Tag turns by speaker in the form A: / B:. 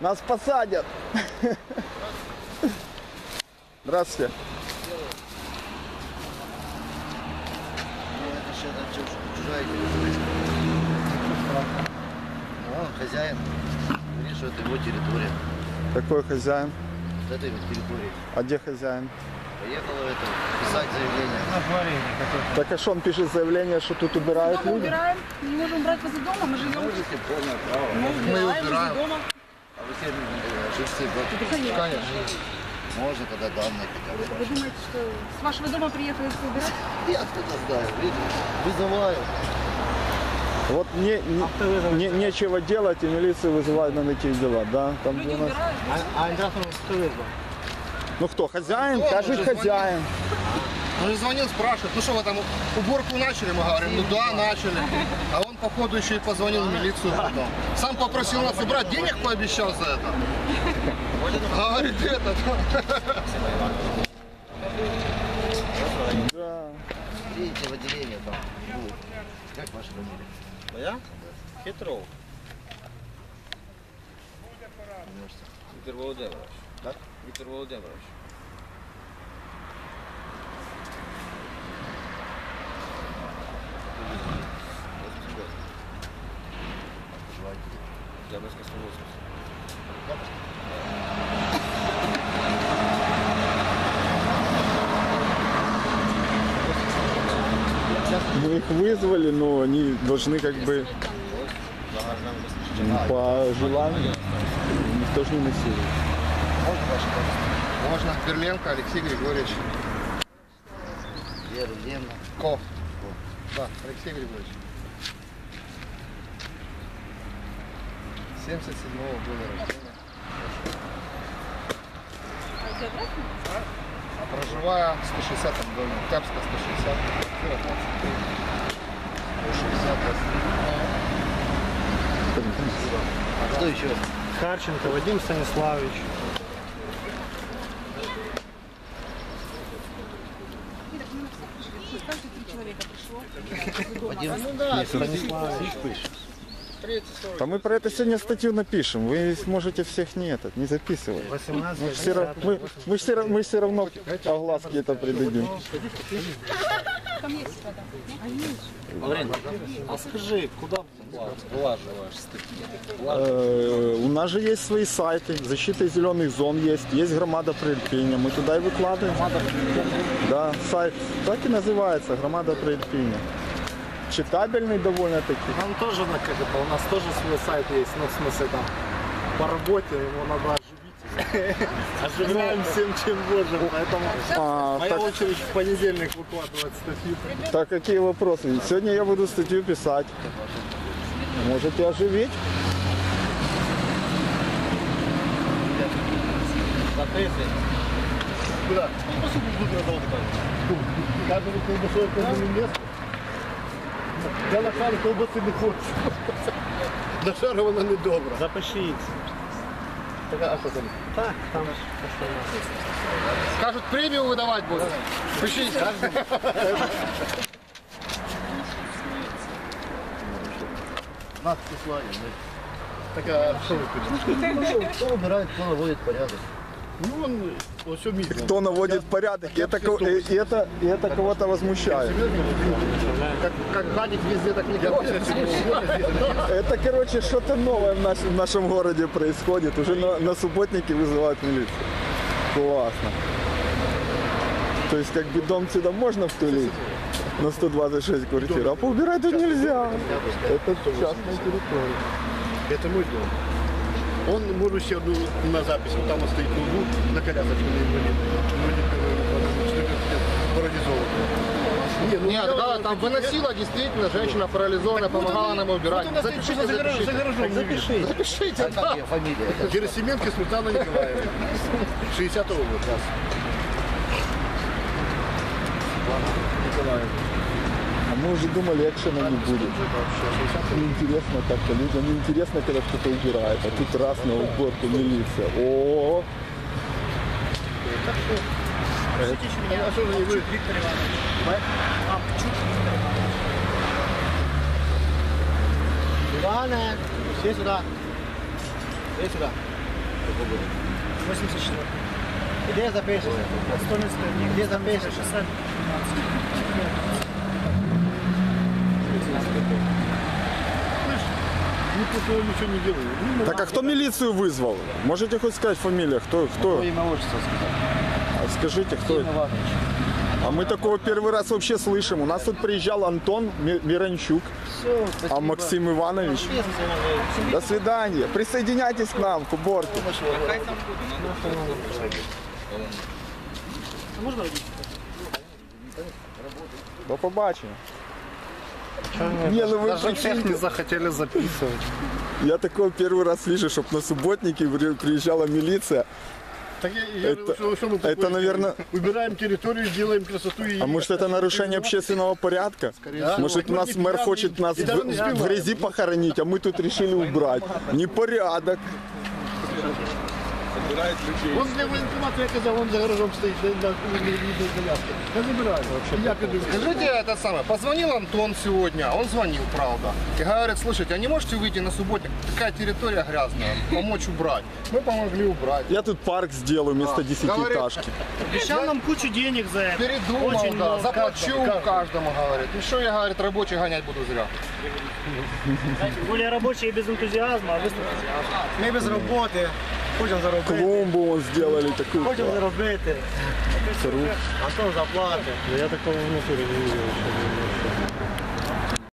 A: Нас посадят. Здравствуйте.
B: Чужая территория. Он хозяин. Говорит, что это его территория.
A: Какой хозяин?
B: Вот этой вот территории.
A: А где хозяин?
B: Поехала это писать заявление.
A: Так а что он пишет заявление, что тут убирают
C: Дома
A: люди?
C: убираем, не можем брать возле дома, мы живем.
B: Можете полное право.
C: Мы убираем возле дома.
B: А вы все живете в Конечно. Можно тогда данные хотя бы.
C: Вы думаете, что с вашего дома приехали все убирать?
B: Я откуда знаю, видите? Вызываю.
A: Вот нечего делать, и милицию вызывают на такие дела, да? Там
C: Люди
A: у нас...
C: убирают.
D: А индастриал кто вызвал?
A: Ну кто, хозяин?
B: Кто?
A: Каждый
B: Он же
A: хозяин.
B: Он же звонил, спрашивает, ну что вы там уборку начали? Мы говорим, ну да, начали. А он походу еще и позвонил в милицию потом. Сам попросил нас убрать, денег пообещал за это. Говорит, это.
A: Да.
B: Видите, в отделении там будет. Как ваша фамилия?
D: Моя? Петров. Виктор Володимирович.
B: Как?
D: Виктор Володимирович. Октябрьская 180.
A: Мы их вызвали, но они должны как бы по желанию. Никто же не насилует.
B: Можно ваше пожалуйста? Можно. Берленко Алексей Григорьевич. Берленко. Ко. Да, Алексей Григорьевич. 77-го года рождения. А проживая в 160-м доме. Октябрьская 160. Квартира 23. 60. А что еще?
D: Харченко Вадим Станиславович.
C: Каждые 3 человека пришло.
B: Вадим.
D: Ну да, Станиславович.
A: А мы про это сегодня статью напишем. Вы сможете всех не записывать.
D: 18.
A: Мы все равно огласки это придадим.
C: Там есть вода.
D: А скажи, куда влаживаешь статьи?
A: У нас же есть свои сайты. Защита зеленых зон есть Громада при Ірпіні. Мы туда и выкладываем. Да, сайт так и называется, Громада при Ірпіні. Читабельный довольно-таки.
D: Нам тоже, как это, у нас тоже свой сайт есть, ну, в смысле, там, по работе его надо оживить. Оживляем всем, чем можем, поэтому моя очередь в понедельник выкладывать статью.
A: Так, какие вопросы? Сегодня я буду статью писать. Можете оживить?
B: Куда? Ну, по сути, буду на заводе. Каждому колбасу, каждому месту. Я на шару колбаси не хочу. На шару вона не добра.
D: Запишіть.
B: А що там?
D: Так, там
B: Кажуть, премію видавати будуть. Пишіть. Нас послали. Так, а що ви хочете? Хто вибирає, хто наводить порядок? Ну, он все митно.
A: Кто наводит порядок, и это кого-то возмущает.
B: Как гадить везде, так не гадить.
A: Это, короче, что-то новое в нашем городе происходит. Уже на субботнике вызывают милицию. Классно. То есть, как бы дом сюда можно втулить на 126 квартир, а поубирать тут нельзя. Это частная территория.
B: Это мой дом. Он может еще на запись, вот там он стоит ноутбук на колясочке на инвалид парализованный. Нет, да, там выносила действительно женщина парализованная, помогала нам убирать. Запишите, запишите. Запишите, да. Фамилия. Герасименко Светлана Николаевна. 60-го года.
A: Николаевна. А мы уже думали, экшена не будет. Неинтересно как-то, людям неинтересно, когда кто-то убирает. А тут раз на уборку милиция. О!
B: А что же не вы?
C: Виктор Иванович.
D: Иване, все сюда. Все сюда.
E: 84. Где запишешь? 100 Где запишешь? 60.
D: Никто ничего не делает.
A: Так а кто милицию вызвал? Можете хоть сказать фамилия? Кто?
E: Имя отчество сказать.
A: А скажите, кто?
E: Иван Иванович.
A: А мы такого первый раз вообще слышим. У нас тут приезжал Антон Миранчук,
E: Все, спасибо.
A: а Максим Иванович. До свидания. Присоединяйтесь к нам к уборке. До побачення. Не, ну вы
D: Даже всех
A: прикиньте.
D: не захотели записывать.
A: Я такого первый раз слышу, чтобы на субботники приезжала милиция.
D: Так я
A: Это-
D: что мы
A: это,
D: такое
A: наверное-
D: сделаем? Убираем территорию, делаем красоту и...
A: А может это нарушение общественного порядка? Может у нас мэр хочет нас в грязи похоронить, а мы тут решили убрать. Непорядок.
D: Он для военкомата, я казав, он за гаражом стоит, на коляске. Я забираю вообще. Я пойду.
B: Скажите это самое, позвонил Антон сегодня, он звонил, правда, и говорит, слушайте, а не можете выйти на субботник, такая территория грязная, помочь убрать? Мы помогли убрать.
A: Я тут парк сделаю вместо 10-этажки.
E: Обещал нам кучу денег за это.
B: Передумал,
E: Очень
B: да,
E: много.
B: заплачу каждому, говорит. Еще я, говорит, рабочих гонять буду зря.
E: Тем более рабочие без энтузиазма, а вы с энтузиазмом. Ми без роботи, хочемо заробити.
A: Клумбу вон сделали такую.
E: Хочемо заробити. А то заплати.
D: Я такого в натуре не видел.